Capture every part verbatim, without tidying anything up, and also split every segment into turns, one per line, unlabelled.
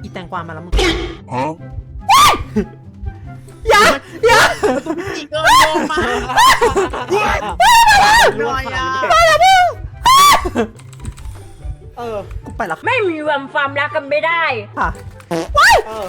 อีแตงกวามาแล้วมึง
ฮะ
อย่าอย่า
อีกเกินโยมมาหน่อยอ่ะ
เออ
กูไปแล้ว
ไม่มีวันความรักกันไม่ได้
ค่ะ
เออ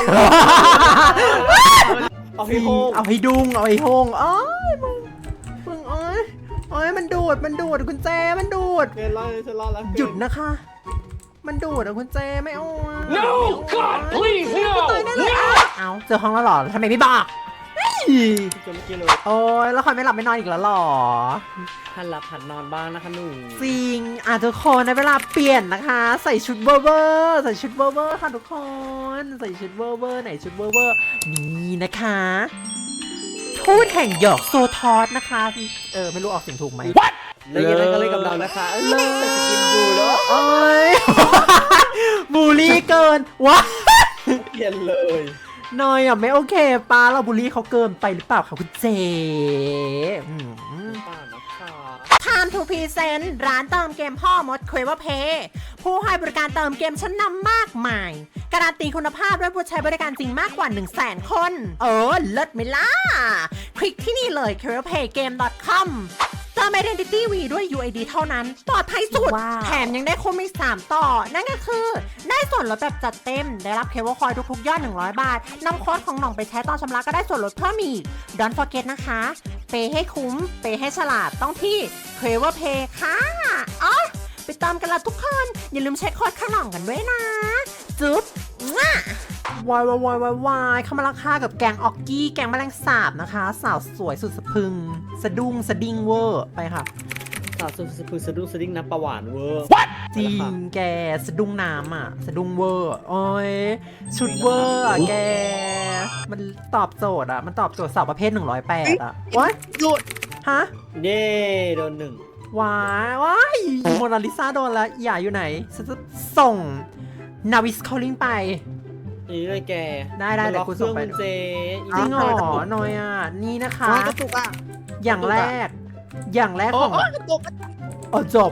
เอาให้โฮง
เอาให้ดุงเอาให้โฮงอ้ยมึงมึงเอ้ยเอ้ยมันดูดมันดูดกุญแจมันดูด
เกณฑ์รอดฉันรอดแล้ว
หยุดนะคะ มันดูดอะคุณเจไม่เอาอะ
No God please no
เอาเจอห้องแล้วหรอทำไมไม่บอก
จนเมื่อกี้เลย
โอ้ยแล้วคอยไม่หลับไม่นอนอีกแล้วหรอ
หันหลับหันนอนบ้างนะคะหนู
จริงอ่ะทุกคนในเวลาเปลี่ยนนะคะ ใส่ชุดเวอร์เวอร์ใส่ชุดเวอร์เวอร์ค่ะทุกคนใส่ชุดเวอร์เวอร์ไหนชุดเวอร์เวอร์นี่นะคะทูตแห่งหยอกโซทอสนะคะเออไม่รู้ออกเสียงถูกไหม
แล้วยังไงก็เลยกับเรานะคะเออจะกินบูแล้ว
โอ้ย บูลลี่เกินวะ
เปลี่ยนเลย
นอยอ่ะไม่โอเคป้าเราบูลลี่เขาเกินไปหรือเปล่าคะคุณเจอืม
ป้านะคะ
Time to Present ร้านเติมเกมพ่อมด Clever Pay ผู้ให้บริการเติมเกมชั้นนำมากมาย การันตีคุณภาพด้วยผู้ใช้บริการจริงมากกว่า หนึ่งแสน คน เออ เลิศไหมล่ะ คลิกที่นี่เลย คลีเวอร์เพย์เกม ดอท คอม เติม Identity V ด้วย ยู ไอ ดี เท่านั้นปลอดภัยสุด แถมยังได้คุ้มอีกสามต่อ นั่นก็คือ ได้ส่วนลดแบบจัดเต็ม ได้รับเคเบิลคอยทุกๆยอด หนึ่งร้อย บาท นำโค้ดของหน่องไปใช้ตอนชำระก็ได้ส่วนลดเพิ่มอีก Don't forget นะคะ เปย์ให้คุ้ม เปย์ให้ฉลาดต้องที่ Clever Pay ค่ะอ๋อไปตามกันละทุกคน อย่าลืมใช้โค้ดข้างหน่องกันด้วยนะ จุ๊บวายวายวายวายวายเข้ามาราคากับแกงออกกี้ แกงแมลงสาบนะคะ สาวสวยสุดสะพรึง สะดุ้งสะดิ้งเวอร์ไปค่ะ
สาวสุดสะพุสะดุ้งสะดิ้งน้ำปลาหวานเวอร์
จริงแกสะดุ้งน้ำอ่ะ สะดุ้งเวอร์โอ้ยชุดเวอร์อ่ะแก มันตอบโจทย์อ่ะ มันตอบโจทย์สาวประเภทหนึ่งร้อยแปดอ่ะว้าย
หยุด
ฮะ
เย่โดนหนึ่ง
ว้ายว้ายโมนาลิซาโดนแล้วอย่าอยู่ไหนฉันจะส่งนาวิสคอลลิงไป
นี่เลยแก
ได้ได้เดี๋ยวกูส่งไป
เจ
จริงเหรอหน่อยอ่ะ นี่นะคะ
โอ้ยกระตุกอ่ะ
อย่างแรก อย่างแรก
โอ้
ของ
ยกระตุก
โอ้จบ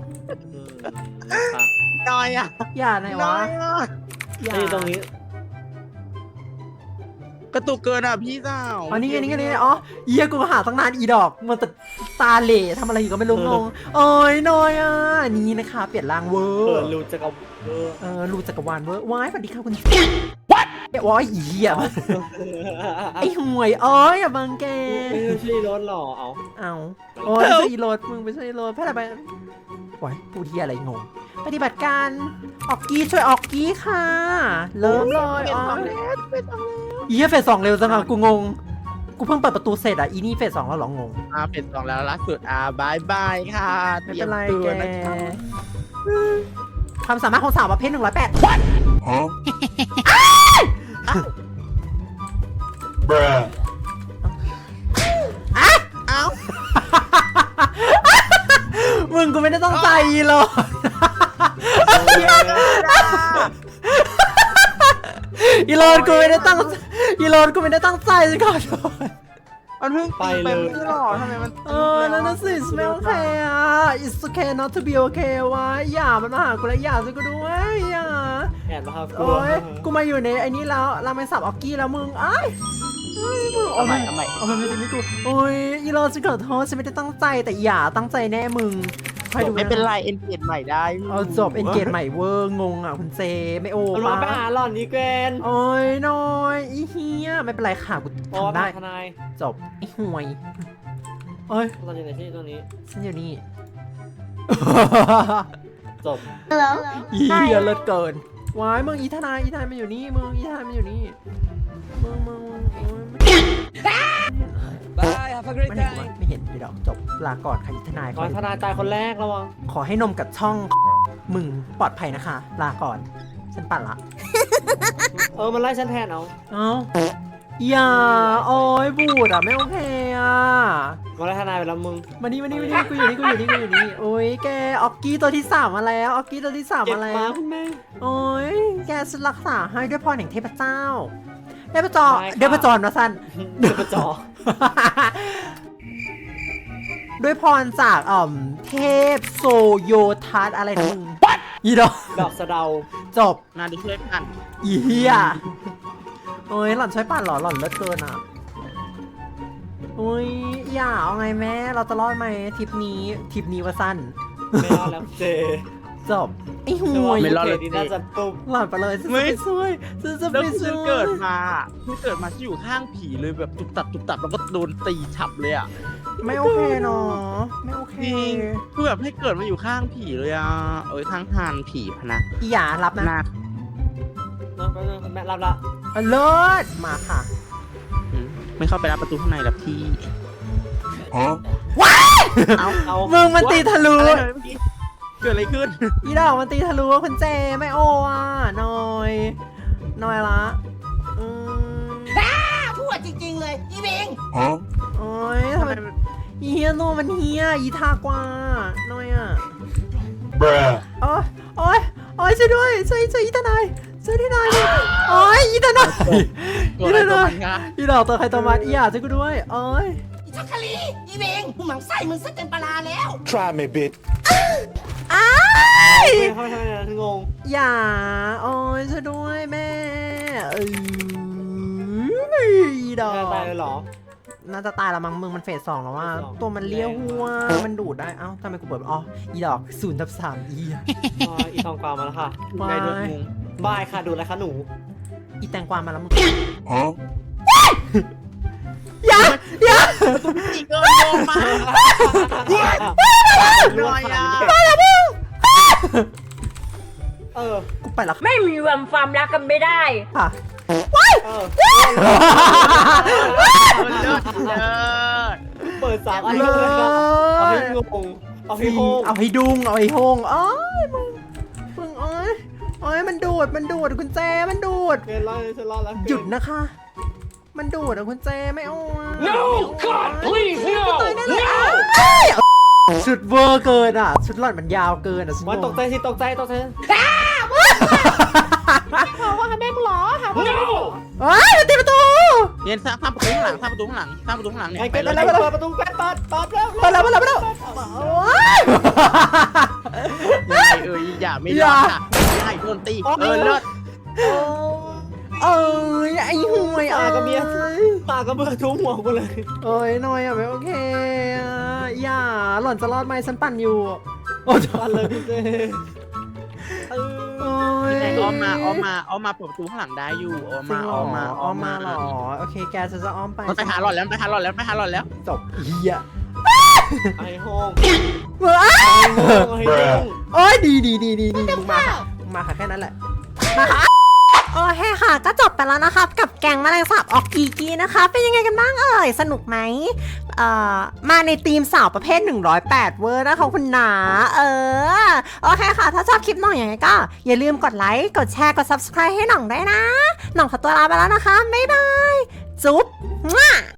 หน่อยอ่ะ
อย่าไหน
หน่
วะ
อยอ่ะ
อย่า
นี่ตรงนี้
กระตุกเกินอ่ะพี่สาว
อ๋อนี่ไงนี่ไงนี่ไงอ๋อเยี่ยกูหาตั้งนานอีดอกมันแต่ตาเหล่ทำอะไรอยู่ก็ไม่รู้งงโอ้ยหน่อยอ่ะ นี่นะคะ เปลี่ยนร่างเวอ
เปิด
ร์
รูจักรเวอร์
เออรูจักรวาลเวอร์ว้ายสวัสดีค่ะคุณ What ว้ายอีอ่ะไอห่วยเอ้ยอย่าบังแก
ไม่ใช่รถหรอเอา
เอาโอ้ยไม่ใช่อีรถมึงไม่ใช่อีรถแพทย์อะไรไปว้ายพูดที่อะไรงงปฏิบัติการออกกี้ช่วยออกกี้ค่ะเริ่มเลย
เป็น
อ๋อ
สองแล้วเป็นสองแล้ว
อีเฟสสองเร็วจังอ่ะกูงงกูเพิ่งเปิดประตูเสร็จอ่ะอีนี่เฟสสองแล้วเหรองง
อ่าเป็นสองแล้วล่าสุดอ่าบายบายค่ะ
ไม่เป็นไร
ตยม
แก
ตัวนะคะ
ความสามารถของสาวประเภทหนึ่งร้อยแปด
ฮะ bruh
เอ้า
มึงกูไม่ได้ต้องใจหรอกอีโรนกูไม่ได้ตั้งอีโรนกูไม่ได้ตั้งใจสิก่อน
มันเพิ่งตีไป
ไปเลย
ไม่ใช่หรอทำไมมัน
เออนั่นน่ะสิ ไม่โอเคอ่ะ it's okay not to be okay วะอย่ามันมาหากูแล้วอย่าสิกูด้วยอย่า
แอนมาครับ
โอ้ยกูมาอยู่ในไอ้นี่แล้วราเมนสับออกกี้แล้วมึงไอ้ายเอ้ยมึง
เอาใหม่เอาใหม่
เอาใหม่ไม่ใช่ไม่กูโอ้ยอีโรนฉันขอโทษฉันไม่ได้ตั้งใจแต่อย่าตั้งใจแน่มึงคอยดู
ไม่เป็นไรเอ็นเกตใหม่ได้
เอาจบเอ็นเกจใหม่เวอร์งงอ่ะคุณเจไม่โอ้
มันมาไปหาหล่อนนี้แกน
โอ้ยน้อยอีเฮียไม่เป็นไรค่ะกู
เพราะว่า
ทำได้
ทนาย
จบไอ้ห่วยเอ้ย
ตอนอยู่ไหนที่ตรงนี้
ฉันอยู่นี่
จบ
อีเฮียเลิศเกินวายมึงอีทนายอีทนายมันอยู่นี่มึงอีทนายมันอยู่นี่มึงมึงมึงโอ๊ย
Bye have a great
ไม่เห็นวะไม่เห็นอีดอกจบลาก่อนค่ะอีทนาย
ขอให้ทนายตายคนแรกระวัง
ขอให้นมกับช่องมึงปลอดภัยนะคะ ลาก่อน ฉันปั่นละ
เออมันไล่ฉันแทนเอา
เอ้าอย่าโอ้ยบูดอ่ะไม่โอเคอ่ะ
มาไล่ทนายไปแล้วมึง
มานี่มานี่มานี่กูอยู่นี่กูอยู่นี่กูอยู่นี่โอ้ยแกออกกี้ตัวที่สามมาแล้วออกกี้ตัวที่สาม
เก็บ
มาแล้
มาว คุณแม่
โอ้ยแกฉันรักษาให้ด้วยพรแห่งเทพเจ้าเทพจร
ได้ค่ะ
เทพจรนะสั้น
เดือดจอ
ด้วยพรจากอ่อมเทพโซโยทัสอะไรนะมึงอีดอก
ดอกสะเดา
จบ
นาดูช่วยกัน
อีเหี้ยโอ้ยหล่อนช่วยปั่นเหรอหล่อนเลิศเกินอ่ะโอ้ยอย่าเอาไงแม่เราจะรอดไหมทริปนี้ทริปนี้ว่าสั้น
ไม่รอดแล้วเจ
จบไอ้ห่วย
ไม่รอดเลย
ดีน่าจะตุ้ม
หล่อนไปเลยฉันจะ
ไม่
ไปช่วยฉันจะ
แล้ว
ไป
ฉั
ช่
น
วย
เกิดมาฉันเกิดมาที่อยู่ข้างผีเลยแบบตุบตับตุบตับแล้วก็โดนตีฉับเลยอ่ะ
ไม่โอเคเนาะไม่โอเค
จริงคือแบบให้เกิดมาอยู่ข้างผีเลยอ่ะเอ้ยข้างหานผีพะนะ
อีหยารับนะ
นา
น้องแป๊บนึงแม่รับละ
เอาเลิศมาค่ะ
อืมไม่เข้าไปรับประตูข้างในหรอกพี่
ว้าย
เอา
เอา
มึงมันตีทะลุ
อะไรเลยเมื่อกี้เกิดอะไรขึ้น
อีดอกมันตีทะลุคุณเจไม่โออ่ะหน่อยหน่อยละอืม
พูดจริงๆเลย อีเวง
โอ้ยทำไมอีเฮียโนมันเฮียอีทากว่าหน่อยอ่ะโอ้ยโอ้ยโอ้ยช่วยด้วยช่วยช่วยอีทนายช่วยที่นายดิโอ้ยอีทนาย
ตัวอะไรตัวมันคะ
อีดอกตัวใครตัวมันอีหยาช่วยกูด้วยโอ้ย
อีชักคลี อีเวงมึงหมังไส้มึงซะเต็มปลาแล้ว
Try me, bitch.
อ้าย
เข้าไปทำไมนะถึงงง
อย่าโอ้ยช่วยด้วยแม่เอออีดอก
แม่ตายเลยเหรอ
น่าจะตายแล้วมั้งมึงมันเฟสสองแล้วว่า
เฟสสอง
ตัวมันเลี้ยวหัวมันดูดได้เอ้าทำไมกูเปิดอ๋ออีดอกศูนย์ทับสามอี
อ๋ออีทองกวาวมาแล้วค่ะ
ไงโดนงง
บายค่ะดูอะไรคะหนู
อีแตงกวามาแล้วมึง
Huh?
อย่าอย่า
อีกเกินโยงมาหน่อยอ่ะ
เออ
กูไปแล้ว
ไม่มีวันความรักกันไม่ได้
ค่ะ
เออ
มันเลิศเลิศ
เปิดสามอันเลยครับเอาให้งงเอาให้โฮง
เอาให้ดุงเอาให้โฮงเอ้ยมึงมึงเอ้ยเอ้ยมันดูดมันดูดคุณแจมันดูด
เกินรอดเลยฉันรอดแล้ว
หยุดนะคะ มันดูดอะคุณเจไม่เอาอะ
No God please no
ตายแน่เลย
no
อ้ายชุดเวอร์เกินอ่ะ ชุดหล่อนมันยาวเกินอ่ะฉัน
มัน
ง
ต
ง
กใจสิตกใจตกใจ
ว่าแม่มึงหรอ
no
เฮ้ยมันตีประตู
เรียนสร้างสร้างประตูข้างหลังสร้างประตูข้างหลังสร้างประตูข้างหลังเนี่ย
ไอ้
ไป
เกิด
เล
อะ
ย
ไรเปิดประตูแป๊บเปิดเปิดแล้ว
ไปแล้วไปแล้วไปแล้วโอ๊ย
ยังไงเอ้ยอย่าไม่รอดค่ะอย่าให้โดนตีเออเลิศ
เอ้ยไอ้ห่วย
ปา
อ่ะ
กับเมียปากับเบื่อทุ่มหัวกูเลย
เอ้ยหน่อยอ่ะไม่โอเคอ่ะอย่าหล่อนจะรอดไหมฉันปั่นอยู่โอ้ย
ปันเลยพี่เจเออ
โอ้ย
แต่อ้อมมาอ้อมมาอ้อมมาเปิดประตูข้างหลังได้อยู่อ้อม
จริ
มาง
เหร
อ้
อ
อมมา
อ้อมมาเหรอโอเคแกฉันจะอ้อมไป
มันไปหาหลอดแล้วไปหาหลอดแล้วไปหาหลอดแล้ว
จบเฮีย
ไอ้โฮง
เว้ย
ไอ้โฮง
โอ้ยดีดีดีดีดีมึงมาค่ะมึงมาค่ะแค่นั้นแหละมาค่ะโอเคค่ะก็จบไปแล้วนะครับกับแกงแมลงสาบออกกีกีนะคะ เป็นยังไงกันบ้างเอ่ยสนุกไหมเอ่อมาในทีมสาวประเภทหนึ่งร้อยแปดเวอร์นะคะคุณหนาเออโอเคค่ะ ถ้าชอบคลิปหน่องอย่างไรก็อย่าลืมกดไลค์กดแชร์กด ซับสไครบ์ ให้หน่องได้วยนะหน่องขอตัวลาไปแล้วนะคะบ๊ายบายจุ๊บ